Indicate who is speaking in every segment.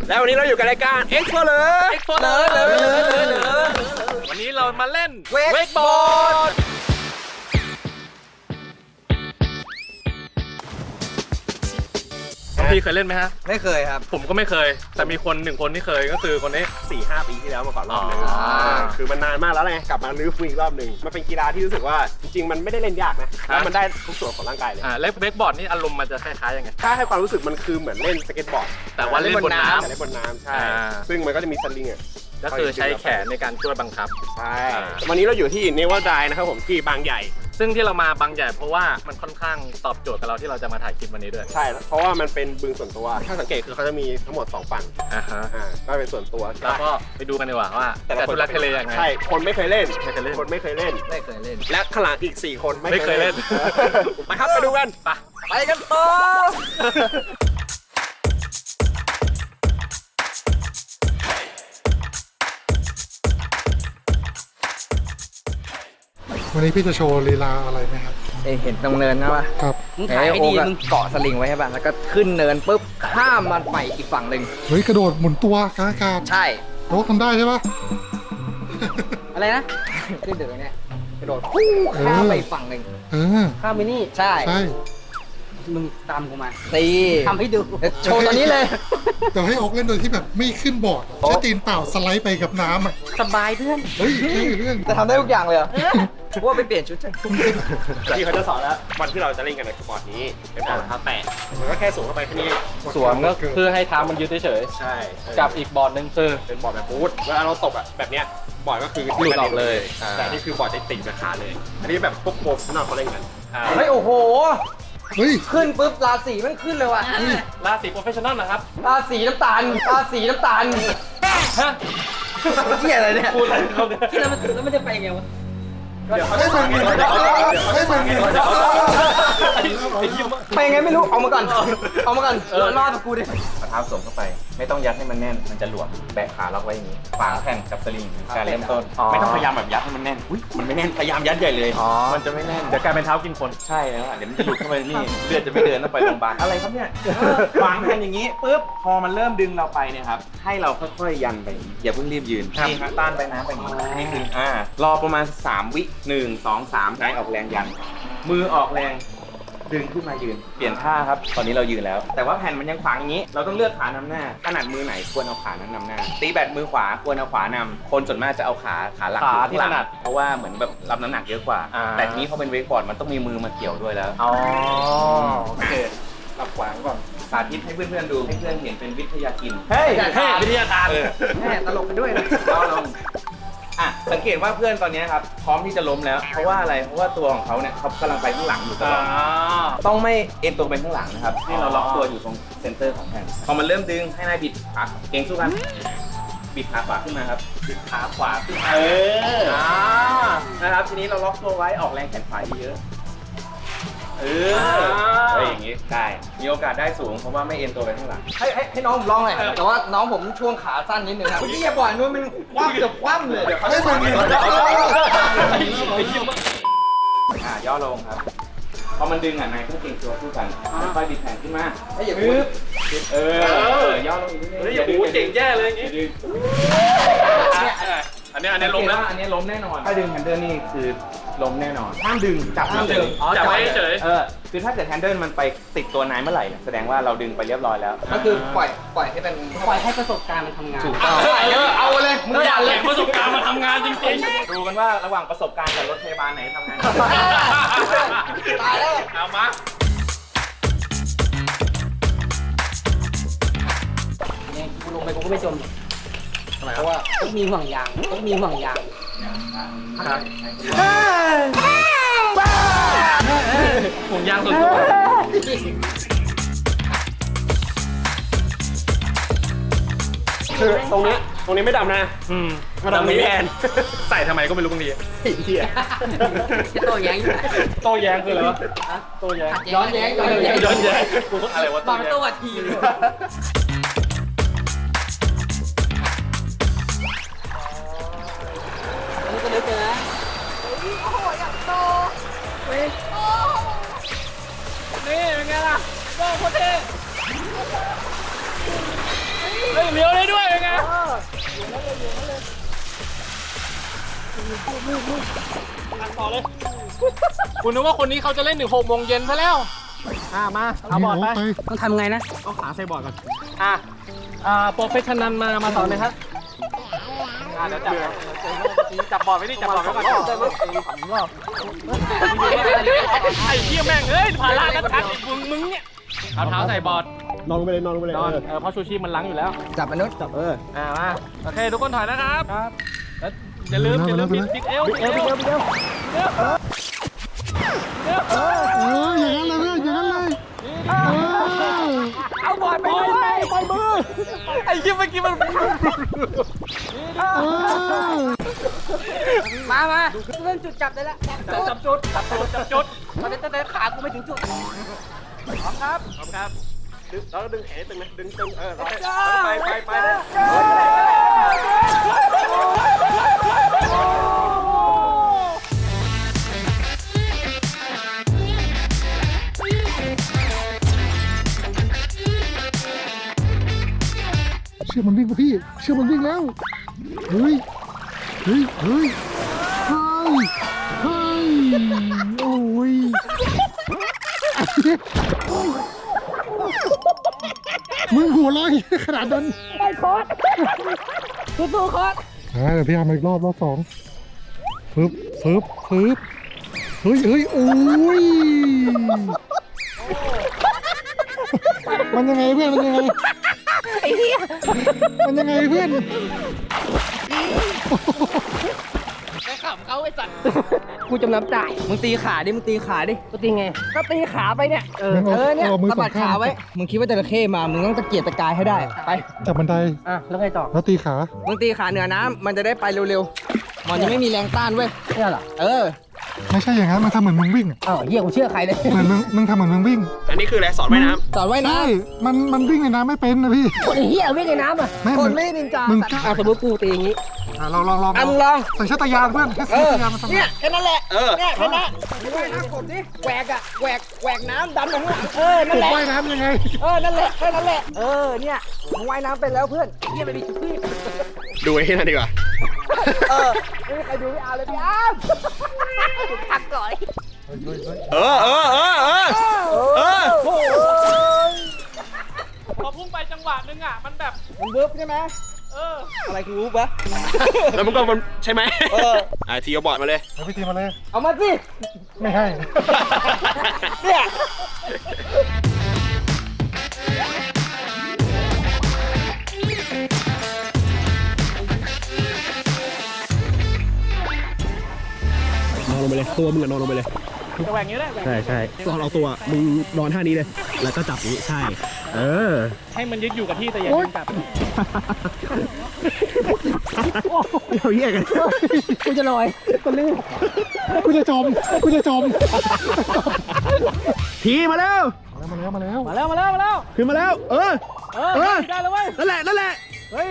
Speaker 1: แล้ววันนี้เราอยู่กับรายการ Explorer
Speaker 2: วันนี้เรามาเล่นเวกบอร์ดพี่เคยเล่นไหมฮะ
Speaker 3: ไม่เคยครับ
Speaker 2: ผมก็ไม่เคยแต่มีคนหนึ่งคนที่เคยก็คือคนนี้
Speaker 1: 4-5 ปีที่แล้วมาก่อนรอบนึงคือมันนานมากแล้วไงกลับมาลื้อฟื้นอีกรอบนึงมันเป็นกีฬาที่รู้สึกว่าจริงๆมันไม่ได้เล่นยากนะแล้วมันได้ทุกส่วนของร่างกายเลย
Speaker 2: เล่นเวกบอร์ดนี่อารมณ์มันจะคล้ายๆยังไง
Speaker 1: ถ้าให้ความรู้สึกมันคือเหมือนเล่นสเก็ตบอร์ด
Speaker 2: แต่ว่าเล่นบนน้ำ
Speaker 1: เล่นบนน้ำใช่ซึ่งมันก็จะมีสลิง
Speaker 2: ก็คือใช้แขนในการช่วยบังคับ
Speaker 1: ใช่วันนี้เราอยู่ที่เนวาไดนะครับผมที่บางใหญ่
Speaker 2: ซึ่งที่เรามาบางใหญ่เพราะว่ามันค่อนข้างตอบโจทย์กับเราที่เราจะมาถ่ายคลิปวันนี้ด้วย
Speaker 1: ใช่เพราะว่ามันเป็นบึงส่วนตัวถ้าสังเกตคือเขาจะมีทั้งหมด2ฝั่งก็เป็นส่วนตัว
Speaker 2: แล้วก็ไปดูกันดีกว่าว่าแต่ทุลักทุเลยังไง
Speaker 1: ใช่คนไม่เคยเล่นคนไม่เคยเล่นและขลังอีก4คน
Speaker 2: ไม่เคยเล่น
Speaker 1: มาครับไปดูกัน
Speaker 3: ไปกันต่อ
Speaker 4: วันนี้พี่จะโชว์ลีลาอะไรไหมครับ
Speaker 3: เห็นตรงเนินนะป่ะ
Speaker 4: ครับ
Speaker 3: มึงถ่ายให้ดีมึงเกาะสลิงไว้ใช่ป่ะแล้วก็ขึ้นเนินปุ๊บข้ามมันไปอีกฝั่งหนึ่ง
Speaker 4: เฮ้ยกระโดดหมุนตัวกลางอากาศ
Speaker 3: ใช่
Speaker 4: โต๊ะทำได้ใช่ปะ
Speaker 3: อะไรนะขึ้นเดินเนี่ยกระโดดข้ามไปอีกฝั่งหนึ่งข้ามไปนี่ใช่มึงตามกูมาตีทำให้ดูโชว์ตอนนี้เลย
Speaker 4: แต่ให้ออกเล่นโดยที่แบบไม่ขึ้นบอร์ดแค่ตีนเปล่าสไลด์ไปกับน้ำอ่ะ
Speaker 3: สบายเพื่อน
Speaker 4: เฮ้ยเพื่อน
Speaker 3: จะทำได้ทุกอย่างเลยเหรอว่าไปเปลี่ยนชุดจัง
Speaker 1: ที่เขาจะสอนแล้ววันที่เราจะเล่นกันในบอร์ดนี้เป็นบอร์ดเท้าแตะมันก็แค่สูงเข้าไปแค่นี้
Speaker 2: สวมก็คือให้เท้ามันยืดเฉย
Speaker 1: ใช่
Speaker 2: กับอีกบอร์ดนึงคือ
Speaker 1: เป็นบอร์ดแบบบูทเวลาเราตกแบบเนี้ยบอร์ดก็คือ
Speaker 2: หลุดออกเลย
Speaker 1: แต่นี่คือบอร์ดติดกับขาเลยอันนี้แบบพวกโปรข้างนอกเขาเล่นกัน
Speaker 3: เฮ้ยโอ้โห
Speaker 4: เฮ้ย
Speaker 3: ขึ้นปุ๊บราศีมันขึ้นเลยว่ะ
Speaker 2: ราศีโปรเฟชชั่นอลนะครับ
Speaker 3: ราศีน้ำตาลฮะเหี้ยอะไรเนี่ย
Speaker 2: พูดอะไรเขาเนี่ย
Speaker 3: แล้วมันจะไปยังไงวะไปยังไงไม่รู้เอามาก่อนรอดกับกูดิ
Speaker 5: เท้าสวมเข้าไปไม่ต้องยัดให้มันแน่นมันจะหลวมแบะขาล็อกไว้อย่างนี้วางแผ่นกับสลิงการเริ่มต้นไม่ต้องพยายามแบบยัดให้มันแน่นมันไม่แน่นพยายามยัดใหญ่เลยมันจะไม่แน่น
Speaker 2: เดี๋ยวกลายเป็นเท้ากินคน
Speaker 5: ใช่แล้วเดี๋ยวมันจะหลุดเข้าไปนี่เลือดจะไม่เดินต้องไปโรงพยาบาลอะไรครับเนี่ยวางแผ่นอย่างนี้ปุ๊บพอมันเริ่มดึงเราไปเนี่ยครับให้เราค่อยๆยันไปอย่าเพิ่งรีบยืนนี่ครับต้านไปนะไปอย่างนี้นี่คือรอประมาณ3 วิ1 2 3ใช้ออกแรงยันมือออกแรงดึงขึ้นมายืนเปลี่ยนท่าครับตอนนี้เรายืนแล้วแต่ว่าแผ่นมันยังขวางอย่างนี้เราต้องเลือกขานำหน้าถนัดมือไหนควรเอาขานั้นนำหน้าตีแบตมือขวาควรเอาขวานำคนส่วนมากจะเอาขาหลัก
Speaker 2: ที่ถนัด
Speaker 5: เพราะว่าเหมือนแบบรับน้ำหนักเยอะกว่าแต่ทีนี้เขาเป็นเวกบอร์ดมันต้องมีมือมาเกี่ยวด้วยแล้ว
Speaker 2: โอเค
Speaker 5: รับขวางก่อนสาธิตให้เพื่อนๆดูให้เพื่อนเห็นเป็นวิทยากิน
Speaker 2: เฮ้ยวิทยาทาน
Speaker 3: แม่ตลกไปด้วยนะ
Speaker 5: สังเกตว่าเพื่อนตอนนี้ครับพร้อมที่จะล้มแล้วเพราะว่าอะไรเพราะว่าตัวของเขาเนี่ยเขากำลังไปข้างหลังอยู่ตลอดต้องไม่เอ็นตัวไปข้างหลังนะครับให้เราล็อกตัวอยู่ตรงเซนเตอร์ของแผ่นพอมันเริ่มดึงให้นายบิดขาเก่งสู้กันบิดขาขวาขึ้นมาครับบิดขาขวาขึ้นมานะครับทีนี้เราล็อกตัวไว้ออกแรงแขนขวาเยอะอย่างนี้ได้มีโอกาสได้สูงเพราะว่าไม่เอ็นตัวไปข้างหลัง
Speaker 3: ให้น้องผมลองหน่อยแต่ว่าน้องผมช่วงขาสั้นนิดนึงครับพี่อย่าปล่อยนู้นมันคว่ำเกือบคว่ำเลย
Speaker 4: ให้มัน
Speaker 5: ย่อลงครับพอมันดึงนายต้องเก่งตัวสู้กันค่อยบิดแขนขึ้นมา
Speaker 3: อย่า
Speaker 5: บึ๊บย่อลงอีกนิดนึง
Speaker 2: อย่าเจ๋งแย่เลยอย่างนี้อันนี้ล้มแล้ว
Speaker 5: อันนี้ล้มแน่นอนถ้าดึงแฮนเดิลนี่คือล้มแน่นอนห้ามดึงจับ
Speaker 2: จับไว้เฉย
Speaker 5: คือถ้าเกิดแฮนเดิลมันไปติดตัวนายเมื่อไหร่แสดงว่าเราดึงไปเรียบร้อยแล้ว
Speaker 3: ก็คือปล่อยให้เป็นปล่อยให้ประสบการณ์มันทำงาน
Speaker 5: ถูกต้อง
Speaker 3: เอาเลย
Speaker 2: มึงอยากเห็นประสบการณ์มันทำงานจริง
Speaker 5: ๆดูกันว่าระหว่างประสบการณ์กับรถพยาบาลไหนทำงาน
Speaker 3: ตายแล้ว
Speaker 2: เอามา
Speaker 3: เนี่ยกูลงไปกูก็ไม่จมเพราะว่าต้องมีห่วงยาง
Speaker 2: ห่วงยางส่วนตัว
Speaker 1: คือตรงนี้ไม่ดำนะ
Speaker 2: ดำนี้แทนใส่ทำไมก็ไม่รู้บางที
Speaker 1: เหี้ย
Speaker 3: โต้แย้งอยู่
Speaker 2: โต้แย้งคืออะไรวะโต้แย้ง
Speaker 3: ย้อนแย้ง
Speaker 2: อะไรวะ
Speaker 3: ตอนโต้วัดทีเลยก็นึกเลยนะ
Speaker 6: โอ้โหอยากโต
Speaker 3: เว้ย
Speaker 2: นี่เป็นไงล่ะโต้โคตรเท่เฮ้ยเลี้ยวต่อเลย คุณนึกว่าคนนี้เขาจะเล่นถึง6 โมงเย็นซะแล้วมาเอาบอร์ดไป
Speaker 3: ต้องทำไงนะ
Speaker 2: เอาขาใส่บอร์ดก่อนโปรเฟชชั่นนัลมาสอนเลยครับเดี๋ยวจับบอร์ดไว้ดิจับบอร์ดไว้ก่อนไอ้เหี้ยแม่งเอ้ยผ่าล่างกันทักมึงเนี่ยเอาเท้าใส่บอร์ด
Speaker 1: นอนลงไปเลยนอนลงไปเลย
Speaker 2: นอนเพราะชูชีพมันล้างอยู่แล้ว
Speaker 3: จับมนุษย์
Speaker 2: มาโอเคทุกคนถอยนะครับแล้วอย่าลืมบิ๊กเอล
Speaker 4: อย่างนั้นเลยเพื่อนอย่างนั้นเลย
Speaker 3: เอาบอลไปด้วยปล่อยมือ
Speaker 2: ไอ้เหี้ยเมื่อกี้มัน
Speaker 3: มาเริ่มจุดจับได้แล้ว
Speaker 2: จับจุด
Speaker 3: ตอนนี้แต่ขากูไม่ถึงจุด
Speaker 2: พร้อมครับ
Speaker 1: ดึงแล้วดึงแขนตึงนะดึงตึงไป
Speaker 4: เชื่อมันวิ่งป่ะพี่เชื่อมันวิ่งแล้วเฮ้ยโอ้ยมึงหัวลอยขนาดนั้น
Speaker 3: สู้ๆโค้ช
Speaker 4: เดี๋ยวพี่อาร์มอีกรอบสองฟึบเฮ้ยโอ้ยมันยังไงเพื่อนมันยังไงเพื่อน
Speaker 3: กูจำน้ำจ่ายมึงตีขาดิก็ตีไงก็ตีขาไปเนี่ยเนี่ยสะบัดขาไว้มึงคิดว่าจระเข้มามึงต้องตะเกียกตะกายให้ได้ไป
Speaker 4: จับบันได
Speaker 3: แล้วไงต่อ
Speaker 4: แล้วตีขา
Speaker 3: มึงตีขาเหนือน้ำมันจะได้ไปเร็วๆมันจะไม่มีแรงต้านเว้ยเนี่ยเหรอ
Speaker 4: ไม่ใช่อย่างนั้นมันทำเหมือนมึงวิ่ง
Speaker 3: อ้าวเหี้ยกูเชื่อใครเลย
Speaker 4: เหมือนมึงทำเหมือนมึงวิ่ง
Speaker 1: อันนี้คืออะไรสอนว่ายน้ำ
Speaker 3: สอนว่ายน้
Speaker 4: ใช่มันวิ่งในน้ำไม่เป็นนะพี่
Speaker 3: ำคนเหี้ยวิ่งในน้ำอ่ะ
Speaker 4: ไม่
Speaker 3: คนไม่ได้นินจา
Speaker 4: มึง
Speaker 3: สมมติกูตีอย่างงี้
Speaker 4: ลอง
Speaker 3: มึงลอง
Speaker 4: ใส่ชาตยานเพื่อนแค่ใส่ชาตยานมันทำ
Speaker 3: เนี่ยแค่นั้นแหละเนี่ยแค่นั้นว่ายน้ำกบดิแหวกน้ำดันไปข้างหลังนั่นแหละ
Speaker 4: ว่ายน้ำยังไง
Speaker 3: นั่นแหละแค่นั้นแหละเนี่ยมึงว่ายน้ำเป็นแล้วเพื่อนเหี้ยไปดิพี่
Speaker 1: ดูไอ้นั่นดีกว่า
Speaker 3: ไม่มีใครดูพี่อาร์เลยพี่อาร์พักก่อน
Speaker 2: พอพุ่งไปจังหวะนึงอ่ะมันแบบ
Speaker 3: มันเวิร์บใช่ไหมอะไรคือวูบวะ
Speaker 1: แล้วมันก็มันใช่ไหมทีเอาบอร์ดมาเลย
Speaker 4: เอาพี่ทีมาเลย
Speaker 3: เอามาสิ
Speaker 4: ไม่ให้
Speaker 3: เนี่ย
Speaker 1: นอนลงไปเลยตัวมึงอะนอนลงไปเลย
Speaker 2: จะแหวกอย่างนี้ได้
Speaker 1: ใช่ตอนเอาตัวมึงนอนท่านี้เลยแล้วก็จับนี้ใช่
Speaker 2: ให้มันยึดอยู่กับที่แต่อย่าดึงกลับ
Speaker 1: เราแยกกัน
Speaker 3: กูจะลอยกูลื่น
Speaker 4: กูจะจม
Speaker 1: ทีมาแล้ว
Speaker 4: มาแล้ว
Speaker 2: มาแล้ว
Speaker 1: ขึ้นมาแล้ว
Speaker 2: ได้แล้วเว้ย
Speaker 1: นั่นแหละ
Speaker 2: เฮ้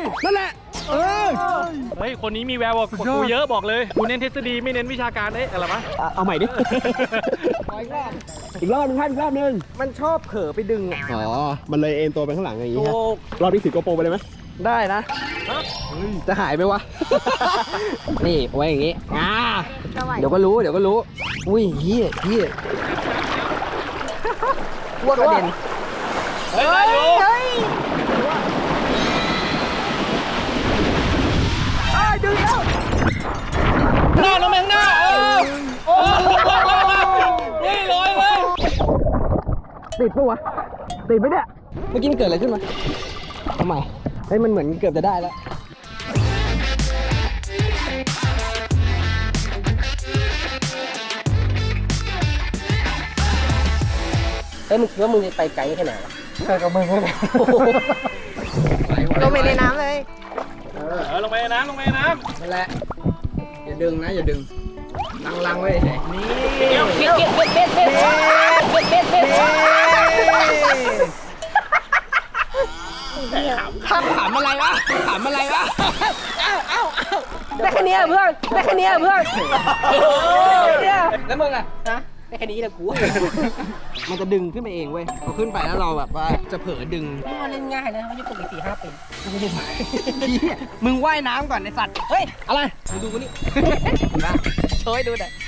Speaker 2: ยคนนี้มีแววกว่ากูเยอะบอกเลยกูเน้นทฤษฎีไม่เน้นวิชาการอะไรวะ
Speaker 1: เอาใหม่ดิ อีกรอบนึง
Speaker 3: มันชอบเผลอไปดึง
Speaker 1: มันเลยเอ็นตัวไปข้างหลังอย่างงี้ฮะรอบนี้ถือโกโปรไปเลยไหม
Speaker 3: ได้นะจะหายไหมวะ นี่ไว้อย่างงี้เดี๋ยวก็รู้อุ้ยเฮียวัวกระเด็น
Speaker 2: เฮ้ย
Speaker 3: ดึงแล้ว
Speaker 2: หน้าลงไปข้างหน้านี่ลอยเลย
Speaker 3: ติดปะวะติดไหมเนี่ยเมื่อกี้มันเกิดอะไรขึ้นมาทำไมมันเหมือนเกือบจะได้แล้วมึงคิดว่ามึงจะไปไกลแค่ไหนวะ
Speaker 4: ใช่กับมึงเลย
Speaker 6: ลงไปในน้ำเลย
Speaker 2: ลงไปในน้ำ
Speaker 3: นั่นแหละอย่าดึงนะอย่าดึงลังไว้เฉยนี่ขำอะไรวะได้แค่นี้เพื่อนแล้วมึงอ่ะได้แค่นี้แหละกู มันจะดึงขึ้นไปเองเว้ยพอขึ้นไปแล้วเราแบบว่าจะเผลอดึง
Speaker 2: มันเล่นง่ายนะมันจะตกอีก4-5 ปี
Speaker 3: มึงว่ายน้ำก่อนไอสัตว์ เฮ้ย อะไรมึงดูกูนี่ นะโชว์ให้ดูหน่อย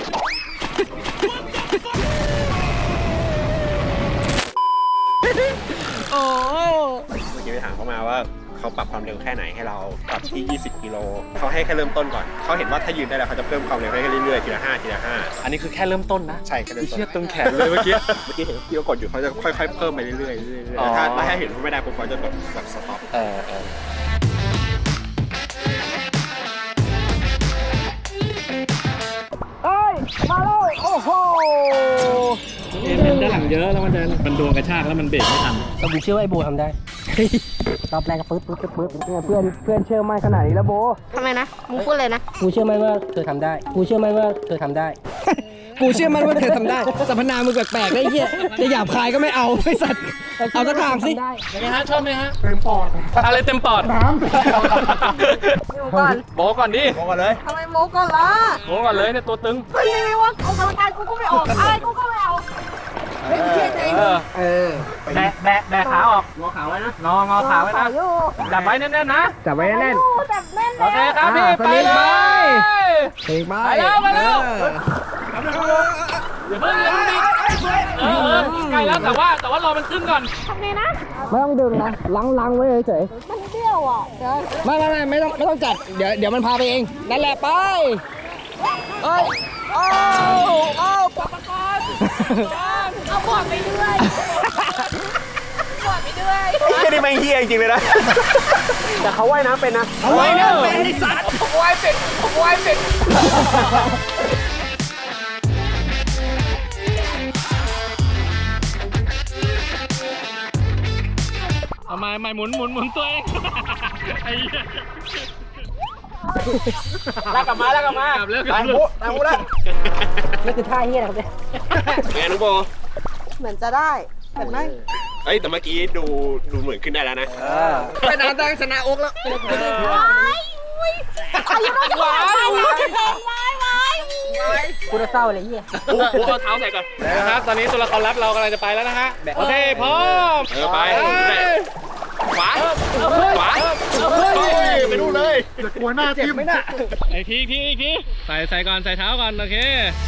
Speaker 3: โอ้
Speaker 1: เมื่อกี้ไปถามเขามาว่าเขาปรับความเร็วแค่ไหนให้เราปรับที่ 20 กิโลเขาให้แค่เริ่มต้นก่อนเขาเห็นว่าถ้ายืนได้แล้วเขาจะเพิ่มความเร็วให้เรื่อยๆทีละ5ทีละ5
Speaker 2: อันนี้คือแค่เริ่มต้นนะ
Speaker 1: ใช่แค่เริ่มต้น
Speaker 2: เชือกตรงแขนเลยเมื่อกี้
Speaker 1: เมื่อกี้เห็นพี่เขากดอยู่เขาจะค่อยๆเพิ่มไปเรื่อยๆเรื่อยๆ
Speaker 2: อ๋อ
Speaker 1: ถ้าเห็นว่าไม่ได้ปุ๊บเขาจะแบบสต็อป
Speaker 3: เฮ้ย มาแล้ว โอ้โห
Speaker 2: เอ็นด้านหลังเยอะแล้วมันโดนกระชากแล้วมันเบรกไม่ทัน
Speaker 3: แต่ผมเชื่อว่าไอ้โบทำได้ รอบแรกก็ปึ๊ดเพื่อนเชื่อมั่นขนาดนี้แล้วโบ
Speaker 6: ทำไมนะมึงพูดเลยนะ
Speaker 3: กูเชื่อมั่นว่าเธอทำได้ กูเชื่อมั่นว่าเธอทำได้ กูเชื่อมั่นว่าเธอทำได้สรรพนามมึงแปลกๆได้เหี้ยจะหยาบคายก็ไม่เอาไอ้สัตว์เอาสักทางสิ
Speaker 2: เป็นไงฮะชอบไหมฮะเต็มปอดอะไรเต็มปอดน้
Speaker 6: โมก่อน
Speaker 2: ำโบก่อนดิ
Speaker 1: มองกันเลย
Speaker 6: ทำไมโมก่อนล่ะ
Speaker 2: โบก่อนเลยเนี่ยตัวตึง
Speaker 6: ก็นี่ไม่ว่าออกกำลังกายกูก็ไม่ออกอะไรกูก็ไม่เอา
Speaker 2: เออแบะขาออกงอขาไว้นะงอขาไว้นะ
Speaker 6: อยู่
Speaker 2: จับไว้แน่นๆนะ
Speaker 3: จับไว้แน่น
Speaker 6: แต่แน่น
Speaker 2: โอเค
Speaker 6: แล้ว
Speaker 2: ครับพี่ไปเลย
Speaker 3: เพลงไป
Speaker 2: มาแล้วอย่าเพิ่งดิใกล้แล้วแต่ว่ารอมันขึ้นก่อน
Speaker 6: ทำไงนะ
Speaker 3: ไม่ต้องดึงนะลังไว้เฉย
Speaker 6: มันเบี้ยวอ่ะเดี๋ยว
Speaker 3: ๆไม่ต้องจัดเดี๋ยวมันพาไปเองนั่นแหละไปเอ้ยโอ้ปักกอน
Speaker 6: เอาบอดไปด้วยบอดไปด้วย
Speaker 1: ไม่ได้แม่งเฮียจริงๆเลยนะ แต่เขาว่ายน้ำเป็นนะ
Speaker 3: เอาไว้นะเป็นไอ้สัตว์
Speaker 2: เอาไม่หมุนตัวเองไอ้เหี้ย
Speaker 3: ลากกลับมา
Speaker 2: กลับแล้ว
Speaker 1: ตายมุแล้ว
Speaker 3: นี่คือท่าเฮียนะครับเนี่ย
Speaker 1: เป็นไงน้องโบ
Speaker 6: เหมือนจะได้แต่ไม่
Speaker 1: เอ้ยแต่เมื่อกี้ดูเหมือนขึ้นได้แล้วนะ
Speaker 3: ไปนานตั้งชนะอกแล้ว
Speaker 6: ว้ายอุ้ยอายุน้อยจะขนาดไหนแล้วจะเป็นว้าย
Speaker 3: กูจะเศร้าเลยเฮีย
Speaker 2: โบเอาเท้าใส่ก่อนนะครับตอนนี้ตัวละครลับเรากำลังจะไปแล้วนะฮะโอเคพร้อม
Speaker 1: ไปขวาไปดูเลย
Speaker 4: อย่ากลัวหน้าทิ่ม
Speaker 2: อีกทีใส่ก่อนใส่เท้าก่อนโอเค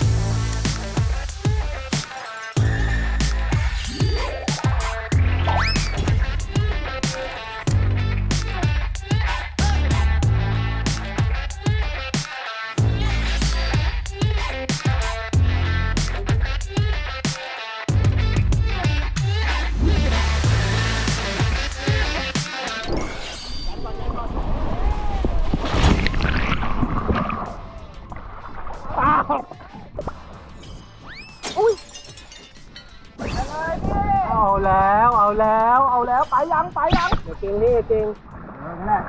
Speaker 3: ไปยังเดี๋ยวเก่งนี่เก่งนั่นแหละ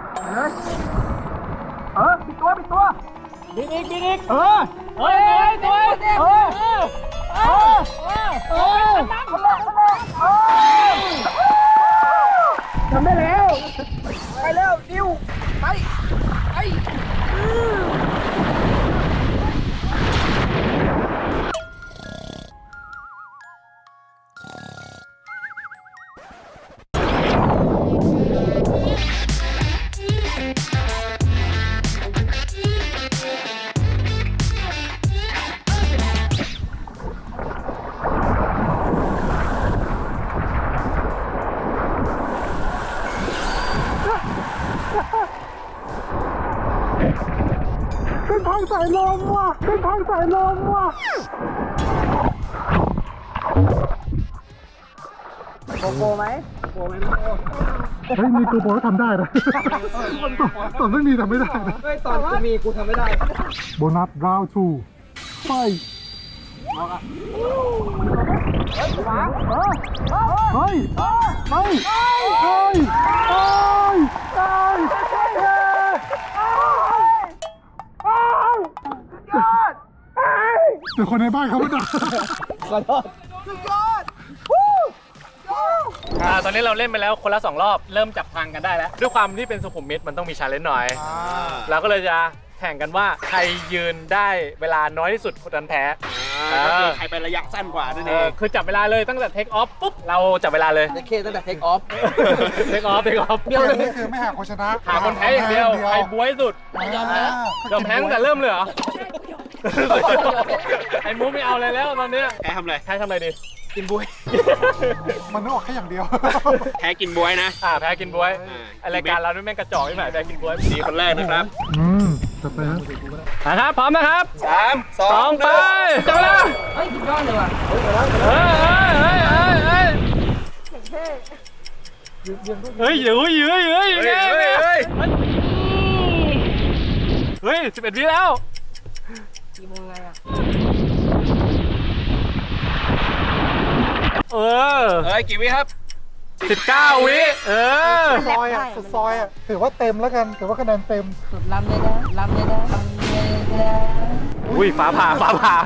Speaker 3: ปิดตัวบิดอีก
Speaker 2: เฮ้ยตัว
Speaker 3: ทำได้แล้วไปแล้วดิวไปเป็นทางสายลมว่ะโกโก้ไหม
Speaker 4: เฮ้ยมีกูโบก็ทำได้นะตอนไม่มีทำไม่ได้นะ
Speaker 3: เฮ้ยตอนกูมีกูทำไม่ได้
Speaker 4: โบนัสราวทูไปเฮ้ยเดี๋ยวคนในบ้านเขาไม่ได้
Speaker 2: ตอนนี้เราเล่นไปแล้วคนละ2 รอบเริ่มจับทางกันได้แล้วด้วยความที่เป็นสุขุมวิทมันต้องมีชาเลนจ์หน่อยเราก็เลยจะแข่งกันว่าใครยืนได้เวลาน้อยที่สุดคนนั้นแพ้
Speaker 1: ก็คือใครไประยะสั้นกว่านั่นเอง
Speaker 2: คือจับเวลาเลยตั้งแต่เทคออฟปุ๊บเราจับเวลาเลย
Speaker 3: โอเคตั้งแต่เทคออฟ
Speaker 2: เทคออฟ
Speaker 4: เดี๋ย
Speaker 2: เดียว วเลย
Speaker 4: นี่คือไม่หาคนชนะ
Speaker 2: หาคนแพ้อย่างเดียวใครบ้วยสุดยอมแพ้ตั้งแต่เริ่มเลยเหรอไอ้มูไม่เอาเลยแล้วตอนเนี้ย
Speaker 1: แพ้ทำอะไร
Speaker 2: แพ้ทำอะไรดี
Speaker 1: กินบวย
Speaker 4: มันนึกออกแค่อย่างเดียว
Speaker 1: แพ้กินบวยนะ
Speaker 2: แพ้กินบ้วย
Speaker 1: อ่า
Speaker 2: ไอรายการเรานี่แม่งกระจอกที่ไหนแพ้กินบ้วย
Speaker 1: ดีคนแรกนะครับ
Speaker 4: ต่อไปครับ
Speaker 2: นะครับพร้อมนะครับ
Speaker 1: 3 2
Speaker 2: 2ไปจับเวลา
Speaker 3: เฮ้ยสุดยอดเลยว่ะ
Speaker 2: เฮ้ยยื้อเฮ้ย11 วิแล้ว
Speaker 1: กี่วิครับ
Speaker 2: 19 วิ
Speaker 4: ซอยอ่ะสุดซอยอ่ะถือว่าเต็มแล้วกันถือว่าคะแนนเต็ม
Speaker 3: สุดล้ำเลยนะล้ำเลยนะล้ำเลยนะ
Speaker 2: อุ้ยฟ้าผ่า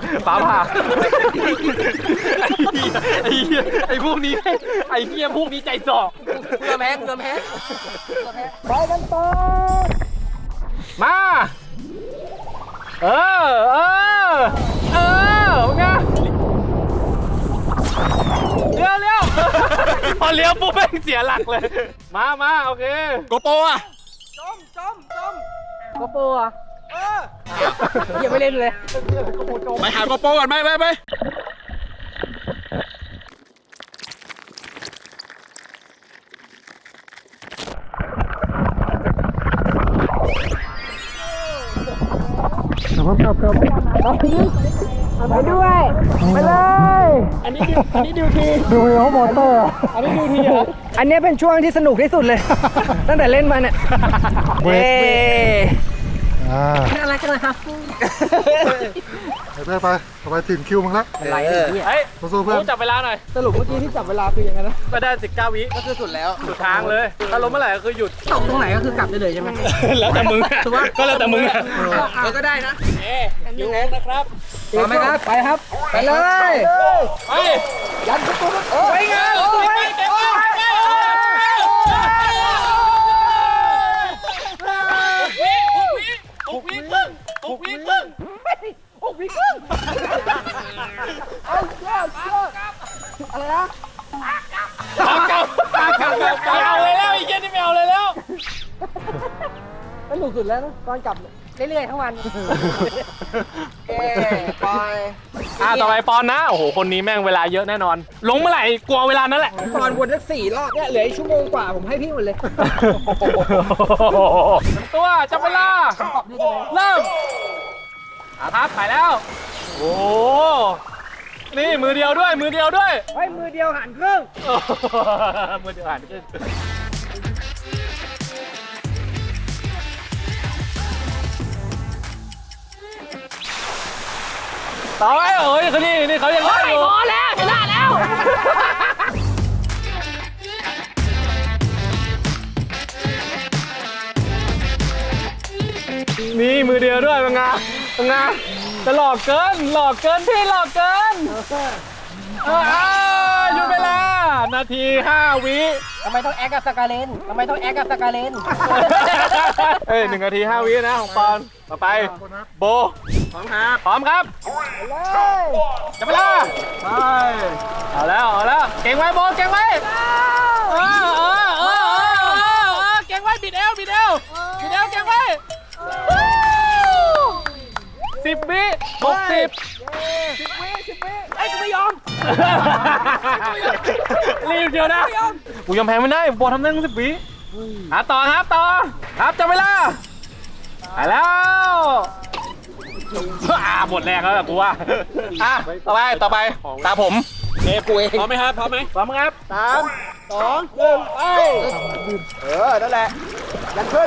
Speaker 2: ไอ้พวกนี้ไอ้เหี้ยพวกนี้ใจสอบ
Speaker 3: เกลือแพ้ไปกันต่อ
Speaker 2: มาไงเลี้ยวพอเลี้ยวปุ๊บแม่งเสียหลักเลยมาโอเค
Speaker 1: โกโปอ่ะ
Speaker 3: โกโปรอ่ะยังไม่เล่นเลย
Speaker 1: ไปหาโกโปก่อนไป
Speaker 4: ครับไปด้วย ไปเลย อันนี้ดิวทีดูแล้วมอเตอร์อันนี้ดิวทีเหรอ
Speaker 3: อันนี้เป็นช่วงที่สนุกที่สุดเลย ตั้งแต่เล่นมาเนี่ย
Speaker 4: เว้ย
Speaker 3: น่ารักจังเลยครับ
Speaker 4: ไปต่อไปถึงคิวมึงละ
Speaker 3: อะไรเนี่ย
Speaker 2: เฮ้ย
Speaker 4: สู้เพื่อน
Speaker 2: จับเวลาหน่อย
Speaker 3: สรุปเมื่อกี้ที่จับเวลาคือยังไงนะ
Speaker 2: ก็ได้19 วิ
Speaker 3: ก็คือสุดแล้ว
Speaker 2: สุดทางเลยถ้าล้มเมื่อไหร่ก็คือหยุด
Speaker 3: ตกตรงไหนก็คือกลับได้เลยใช่ไหม
Speaker 2: แล้วแต่มึงก็แล้วแต่มึง
Speaker 3: ก็ได้นะ
Speaker 2: อยู่นะครับ
Speaker 3: พร้อมไหมครับ ไปครับ ไปเลย
Speaker 2: ไป
Speaker 3: ยันประตูไปงาน
Speaker 2: ไปเก็บ6 วิครึ่ง
Speaker 3: อะไรนะ
Speaker 2: ไม่เอาเลยแล้วไอ้เหี้ยนี่ไม่เอาเลยแล้ว
Speaker 3: สนุกสุดแล้วนะตอนกลับเรื่อยๆทั้งวันไป
Speaker 2: ต่อไปปอนนะโอ้โหคนนี้แม่งเวลาเยอะแน่นอน ลงเมื่อไหร่กลัวเวลานั้นแหละ
Speaker 3: ตอนวนสัก4 รอบเนี่ยเหลือชั่วโมงกว่าผมให้พี่หมดเลย
Speaker 2: ตัวจับเวลาเริ่มครับไปแล้วโอ้นี่มือเดียวด้วย
Speaker 3: เฮ้ยมือเดียวหันครึ่ง
Speaker 2: มือเดียวหันขึ้นต่อไปเอ้ยเขานี่เขายังไงอยู่
Speaker 6: พอแล้วชนะแล้ว
Speaker 2: นี่มือเดียวด้วยเป็นไงจะหลอกเกินพี่หลอกเกินหยุดเวลานาที 5 วิ
Speaker 3: ทำไมต้องแอคกับสกาเลน
Speaker 2: เอ้ย1 นาที 5 วินะของปอนต่อไปโบพร้อมครับจับเวลาไปเอาแล้วเก่งไว้โบเก่งไว้เก่งไว้บิดเอวเก่งไว้10 วิ 60
Speaker 3: ไอ้กูไม่ยอม
Speaker 2: รีบเดียวนะกูยังแพ้ไม่ได้บอลทำได้ตั้ง10 วิต่อครับจับเวลาไปแล้วหมดแรงแล้วกูว่าต่อไปตาผม
Speaker 3: กูเอง
Speaker 1: พร้อมไหมครับ
Speaker 2: พร้อมครับ
Speaker 3: 3 2 1 ไปนั่นแหละยันขึ้น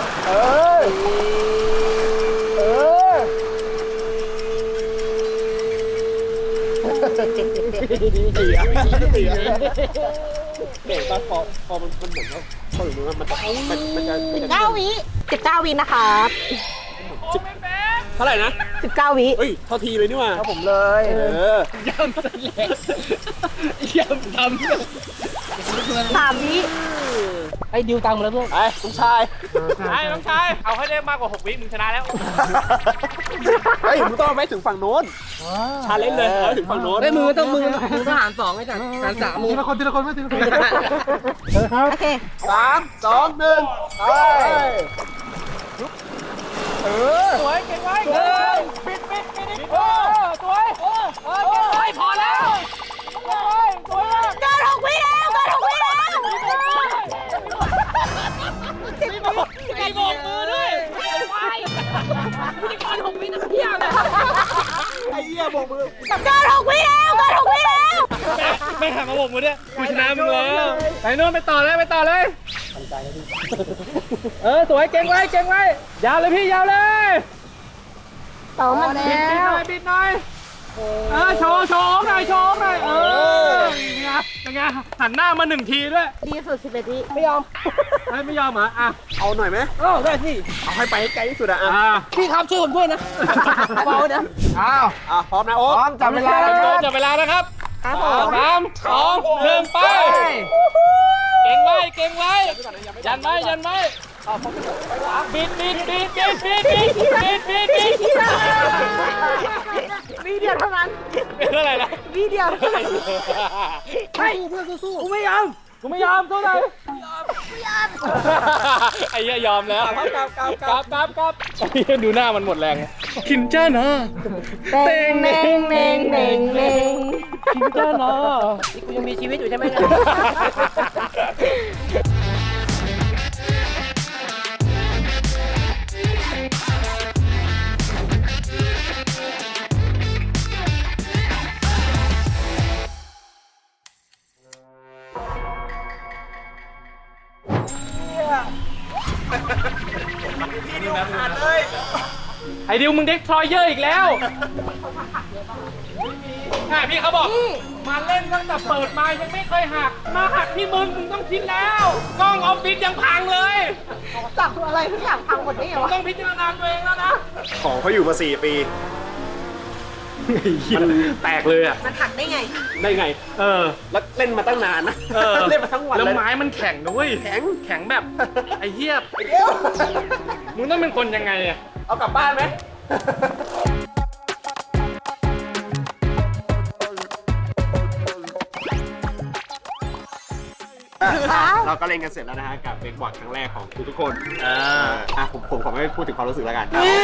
Speaker 6: 19 วินะครับ
Speaker 2: โอ้ไม่เป็น
Speaker 1: เท่าไหร่นะ
Speaker 6: 19 วิ
Speaker 1: เฮ้ยเท่าทีเลยนี่หว่า
Speaker 3: ผมเลย
Speaker 2: ย่ำเสร็จแล้วย่ำทำ
Speaker 6: 3 วิ
Speaker 3: ไอ้ดิวตังค์มาแล้วเพื่อน
Speaker 1: ไปลุงชาย
Speaker 2: ไอ้น้องชาย เอาให้ได้มากกว่า6 วิมึงชนะแล้ว
Speaker 1: เฮ้ยมึงต้องเอาไปถึงฝั่งโน้นชาเลนจ์เลยเอาให้ถึงฝั่งโน้น
Speaker 3: ไอ้มือต้องหาร2ไอ้จัดหาร3มือ
Speaker 4: ทีละคนไม่ทีละคนเลยครับ
Speaker 6: โอเค
Speaker 1: 3 2 1ไป
Speaker 2: สวยเก่งไว้ปิดอีกสวยเก่งไว้พอแล้วสวยมาก
Speaker 6: เกิน 6 วิแล้วเกิน 6 วิแล้ว
Speaker 2: มีโบกมือด้วยไว้พิธีกร6 วินาทีเลย
Speaker 1: ไอ้เหี้ยโบกมือ
Speaker 6: เกิน 6 วิแล้วเกิน 6 วิแล้ว
Speaker 2: ไม่หักมาโบกมือด้วยกูชนะมึงแล้วไปโน่นไปต่อเลยสวยเก่งไว้ยาวเลยพี่ยาวเลย
Speaker 6: ต่อมาแล้
Speaker 2: บิดหน่อยโชว์หน่อยยังไงหันหน้ามา1 ทีด้วย
Speaker 6: ดีสุด 11 วิ
Speaker 2: ไม่ยอมเหรออ่ะ
Speaker 1: เอาหน่อยไหม
Speaker 3: ได้สิ
Speaker 1: เอาให้ไปให้ไกลที่สุดอะ
Speaker 3: พี่ครับช่วยผมด้วยนะเบาเดี๋ยว
Speaker 1: พร้อมนะโอ๊ค
Speaker 3: จับเวลา
Speaker 2: จับเวลานะครับ
Speaker 6: ครับผม
Speaker 2: 3 2 1ไปเก่งไว้ยันไว้บิด
Speaker 6: วิเดียวเท่านั้น
Speaker 2: เป็นอะไรนะ
Speaker 6: วิเดียวเท่านั้น
Speaker 2: กูไม่ยอมเท่าไหร่ไอ้เหี้ยยอมแล้วกลับไอ้เหี้ยดูหน้ามันหมดแรงคินจ้านะเต็ง
Speaker 6: เน่ง
Speaker 2: คินจ้านะ
Speaker 3: นี่กูยังมีชีวิตอยู่ใช่ไหมเนี่ย
Speaker 2: ไอ้ดิวมึงเด็กทรอยเยอร์อีกแล้วพี่เขาบอกมาเล่นตั้งแต่เปิดมายังไม่เคยหักมาหักที่มึงต้องคิดแล้วกล้องออฟฟิศยังพังเลย
Speaker 6: จับอะไรทุกอย่างพังหมดได้ไงวะ
Speaker 2: ต้องพิจารณาตัวเองแล้วนะ
Speaker 1: ของเขาอยู่มา4 ปี
Speaker 2: มันแตกเลยอ่ะ
Speaker 6: มันหักได้ไง
Speaker 1: ได้ไง แล้วเล่นมาตั้งนานนะ เล่นมาทั้งวัน
Speaker 2: แล้ว
Speaker 1: เลย
Speaker 2: ไม้มันแข็งด้วยแข็งแบบไอ้เหี้ยมึงต้องเป็นคนยังไงอ่ะ
Speaker 1: เอากลับบ้านไหม เราก็เล่นกันเสร็จแล้วนะฮะกับเบรกบอร์ดครั้งแรกของทุกคนผมขอไม่พูดถึงความรู้สึกแล้วกัน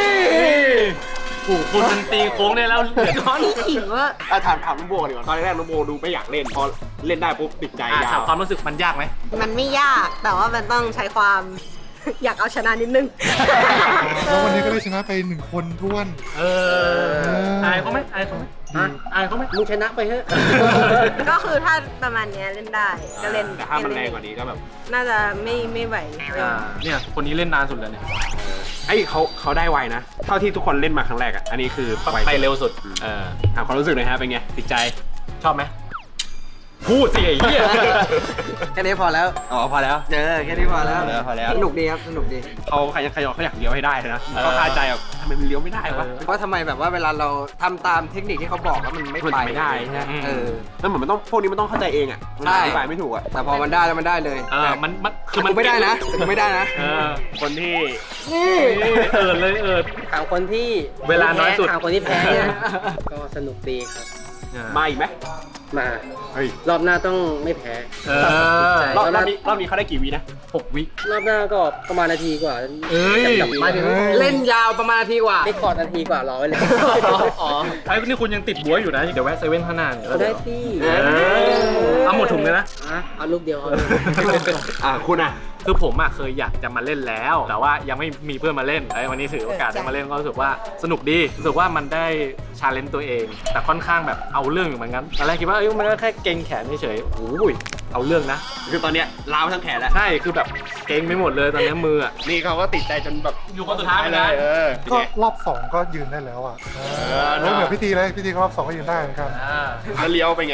Speaker 2: คุณมันตีโค้งได้แล้วเหลือน้อย
Speaker 6: พี่ขิงว่า
Speaker 1: ถามน้องโบดีกว่าตอนแรกน้องโบดูไม่อยากเล่นพอเล่นได้ปุ๊บติดใจยา
Speaker 2: ถาม
Speaker 1: ว
Speaker 2: ความรู้สึกมันยากไหม
Speaker 6: มันไม่ยากแต่ว่ามันต้องใช้ความ อยากเอาชนะนิดนึง
Speaker 4: แล้ววันนี้ก็ได้ชนะไป1 คนท้วน
Speaker 2: อายเขาไหมอายเขาไหม
Speaker 3: มึงชนะไปเถอะ
Speaker 6: ก็คือถ้าประมาณเนี้ยเล่นได้ก็เล่น
Speaker 1: แต่ถ้ามันแรงกว่านี้ก็แบบ
Speaker 6: น่าจะไม่ไหว
Speaker 2: เนี่ยคนนี้เล่นนานสุดเลยเนี่ย
Speaker 1: เขาได้ไวนะ เท่าที่ทุกคนเล่นมาครั้งแรกอันนี้คือ
Speaker 2: ไปเร็วสุด
Speaker 1: ถามความรู้สึกหน่อยฮะเป็นไงติดใจ
Speaker 2: ชอบไหมพูดสิไอ้เหี้ย
Speaker 3: แค่นี้พอแล้ว
Speaker 1: อ๋อพอแล้ว
Speaker 3: แค่นี้พอแล้ว
Speaker 1: พอแล้ว
Speaker 3: สนุกดีครับ สนุกดี
Speaker 1: เขาอยากเลี้ยวให้ได้นะเขาคาใจแบบทำไมมันเลี้ยวไม่ได้วะ
Speaker 3: เพราะทำไมแบบว่าเวลาเราทำตามเทคนิคที่เขาบอกแล้วมันไม่
Speaker 1: มัน
Speaker 3: ไป
Speaker 1: ไม่ได้ใช่ไหม
Speaker 3: เออ
Speaker 1: แล้วเหมือนมันต้องพวกนี้มันต้องเข้าใจเองอ่ะมัน
Speaker 3: ใช่
Speaker 1: อธิบายไม่ถูกอ่ะ
Speaker 3: แต่พอมันได้แล้วมันได้เลย
Speaker 2: มันคือ
Speaker 3: กูไม่ได้นะกูไม่ได้นะ
Speaker 1: คนที่
Speaker 2: เลย
Speaker 3: ถามคนที่
Speaker 2: เวลาน้อยสุด
Speaker 3: ถามคนที่แพ้เนี่ย ก็สนุกดีครับ
Speaker 1: มาอีกไหม
Speaker 3: มา
Speaker 1: เฮ้ย
Speaker 3: รอบหน้าต้องไม่แพ้
Speaker 1: รอบนี้เขาได้กี่วินะ
Speaker 2: 6 วิ
Speaker 3: รอบหน้าก็ประมาณนาทีกว่า
Speaker 2: เอ้ย
Speaker 3: หมายถึงเล่นยาวประมาณนาทีกว่าได้คอร์ดนาทีกว่ารอไว้เลย
Speaker 2: อ๋อไอ้นี่คุณยังติดบัวอยู่นะ เดี๋ยวแวะเซเว่นข้างหน้าเนี่ย
Speaker 3: เอาได้สิ
Speaker 2: เอาหมดถุงเลยนะ
Speaker 3: เอาลูกเดียวเอา
Speaker 1: คุณอ่ะ
Speaker 2: คือผมเคยอยากจะมาเล่นแล้ว แต่ว่ายังไม่มีเพื่อนมาเล่นวันนี้ถือโอกาสได้มาเล่นก็รู้สึกว่าสนุกดีรู้สึกว่ามันได้ชาเลนจ์ตัวเอง แต่ค่อนข้างแบบเอาเรื่องอยู่เหมือนกันตอนแรกคิดว่ามันก็แค่เกรงแขนเฉยๆโอ้ยเอาเรื่องนะ
Speaker 1: คือตอนเนี้ยล้าวทั้งแขนแล้ว
Speaker 2: ใช่คือแบบเกรงไปหมดเลยตอนนี้มือ
Speaker 1: นี่เขาก็ติดใจจนแบบ
Speaker 2: อยู่คนสุดท้ายเลย
Speaker 4: ก็รอบ2ก็ยืนได้แล้วอ่ะแล้วเหมือนพิธีเลยพิธีก็รอบ2ก็ยืนได้เหมือนกัน
Speaker 1: แล้วเลี้ยวไปไง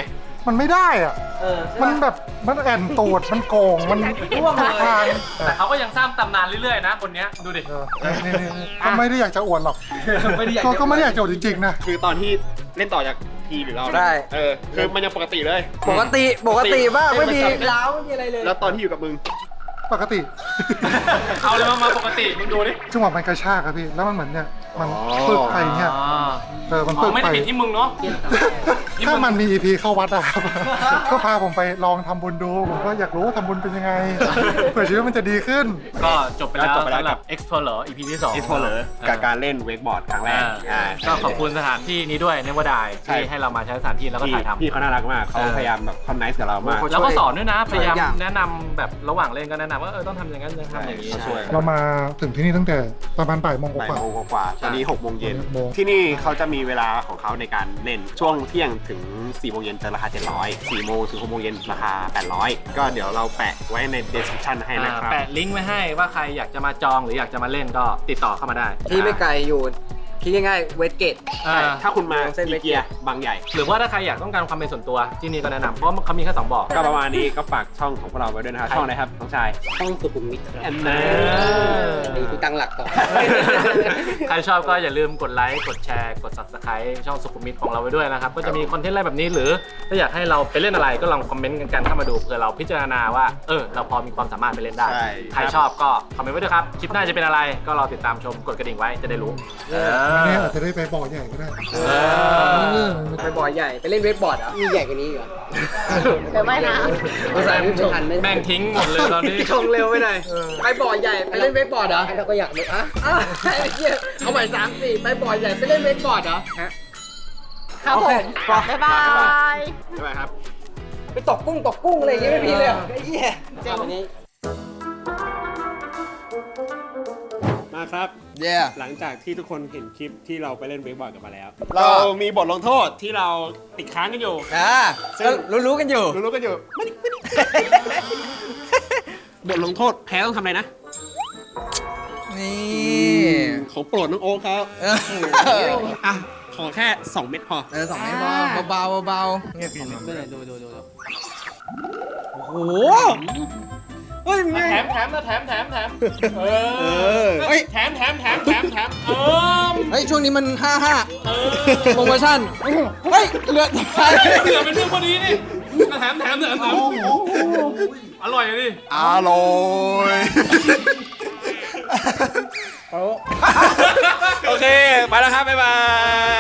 Speaker 4: มันไม่ได้อ่ะ มันแบบมันแอนตูดมันโกงมันทุกทาง
Speaker 2: แต่เขาก็ยังสร้างตำนานเรื่อยๆนะคนเนี้ยดูดิ
Speaker 4: นี่ก็ไม่ได้อยากจะอวดหรอกก็ไม่ได้อยากจะอวดจริงๆนะ
Speaker 1: คือตอนที่เล่นต่อจากทีหรือเรานะ
Speaker 3: ใช่
Speaker 1: คือมันยังปกติเลย
Speaker 3: ปกติมากไม่มีล้าวไม่มีอะไรเลย
Speaker 1: แล้วตอนที่อยู่กับมึง
Speaker 4: ปกติ
Speaker 2: เอาเลยมาปกติมึงดูดิ
Speaker 4: จังหวะมันกระชากครับพี่แล้วมันเหมือนเนี่ยมันปึกไปเนี่ยมัน
Speaker 2: อ๋
Speaker 4: ปึ
Speaker 2: อก ไม่
Speaker 4: ไป
Speaker 2: ได้ผิดที่มึงเนาะ
Speaker 4: ถ้ามันมี EP เข้าวัดอะครับ ก็พาผมไปลองทำบุญดูผมก็อยากรู้ว่าทำบุญเป็นยังไงเผื่อชีวิตมันจะดีขึ้น
Speaker 2: ก็จบไปแล้ว
Speaker 1: จบไปแล้ว
Speaker 2: สำหรับ Explorer EP ที่2
Speaker 1: Explorer กับการเล่นเวกบอร์ดครั้งแรก
Speaker 2: ก็ขอบคุณสถานที่นี้ด้วยเนวดาย
Speaker 1: ใช่
Speaker 2: ที่ให้เรามาใช้สถานที่แล้วก็ถ่ายทำ
Speaker 1: พี่เขาน่ารักมากเขาพยายามแบบคอนไนซ์กับเรามาก
Speaker 2: แล้วก็สอนด้วยนะพยายาม
Speaker 3: อย่าง
Speaker 2: แนะนำแบบระหว่างเล่นก็แนะนำว่าต้องทำอย่างนั้นต้องทำอย่างนี้
Speaker 1: ช่วย
Speaker 4: เรามาถึงที่นี่ตั้งแต่ประมาณบ่ายโมงก
Speaker 1: บ่าย
Speaker 4: ว่า
Speaker 1: โมงกว่าๆตอนนี้6 โมงเย็น
Speaker 4: 6โมง
Speaker 1: ที่นี่เขาจะมีเวลาของเขาในการเล่นช่วงเที่ยงถึง4 โมงเย็นจะราคา 700 4 โมงถึง6 โมงเย็นราคา 800 ก็เดี๋ยวเราแปะไว้ใน description ให้นะครับ
Speaker 2: แปะลิงก์ไว้ให้ว่าใครอยากจะมาจองหรืออยากจะมาเล่นก็ติดต่อเข้ามาได้
Speaker 3: ที่ไม่ไกลอยู่คิดง่ายๆเวสเกต
Speaker 2: อ่า
Speaker 1: ถ้าคุณมา
Speaker 3: เส้นเว
Speaker 1: อี
Speaker 3: สเกต
Speaker 1: เกียบางใหญ่
Speaker 2: หรือว่าถ้าใครอยากต้องการความเป็นส่วนตัวที่นี่ก็แนะนำเพราะเขามีแค่2บ่อ
Speaker 1: ก็ประมาณนี้ก็ฝากช่องของพวกเราไว้ด้วยนะครับ ช่องอะไรครับน้องชาย
Speaker 3: ช่องสุขุมวิทครับ
Speaker 1: อันนั้น
Speaker 3: นี่พี่ตั้งหลักก่อน
Speaker 2: ใครชอบก็อย่าลืมกดไลค์กดแชร์กด subscribe ช่องสุขุมวิทของเราไว้ด้วยนะครับก็จะมีคอนเทนต์อะไรแบบนี้หรือถ้าอยากให้เราไปเล่นอะไรก็ลองคอมเมนต์กันเข้ามาดูเพื่อเราพิจารณาว่าเราพอมีความสามารถไปเล่นได้
Speaker 1: ใช่
Speaker 2: ใครชอบก็คอมเมนต์ไว้ด้วยครับคลิปหน้าจะเป็นอะไรก็รอติดตามชมกดกระดิ่งไว้จะได้รู้
Speaker 4: เนี่ยอาจจะได้ไปบ่อใหญ่ก็ได้
Speaker 3: ไปบ่อใหญ่ไปเล่นเวกบอร์ดเหรอมีใหญ่กว่านี้เหรอ
Speaker 6: เดี๋ยวไม่นะ
Speaker 3: ภาษาไม่ทัน
Speaker 2: แม่งทิ้งหมดเลยตอนนี้
Speaker 3: ชงเร็วไปหน่อยไปบ่อใหญ่ไปเล่นเวกบอร์ดเหรอเราก็อยากเลยอ่ะเอาใหม่3-4ไปบ่อใหญ่ไปเล่นเวกบอร์ดเหรอ
Speaker 6: ครับผม บ๊ายบาย
Speaker 1: ใช่ไหมครับ
Speaker 3: ไปตกกุ้งอะไรอย่างเงี้ยไม่มีเลยเหรอไอ้เหี้ย
Speaker 6: เจ๋ง
Speaker 3: วันนี้
Speaker 1: มาครับ
Speaker 3: yeah
Speaker 1: หลังจากที่ทุกคนเห็นคลิปที่เราไปเล่นเวกบอร์ดกันมาแล้ว เรามีบทลงโทษที่เราติดค้างกันอยู่ ซึ่ง
Speaker 3: รู้กันอยู่
Speaker 1: รู้กันอยู่ไม่ได้บทลงโทษแพ้ต้องทำอะไรนะ
Speaker 3: นี่
Speaker 1: ของโปรดน้องโอ๊คเขาอ่ะขอแค่ 2 เม็ดพอ
Speaker 3: 2 เม็ดเบาเงียบกินดูโอ้โหเฮ้ย
Speaker 2: แถมเออ
Speaker 3: เฮ้ย
Speaker 2: แถม
Speaker 3: เฮ้ยช่วงนี้มัน55โปรโมชั่นเฮ้ยเหลือ
Speaker 2: เหลือเป็นเรื่องพอดีนี่แถมอร่อยเลยดิ
Speaker 1: อร่อย โอเค ไปแล้วครับ บ๊ายบาย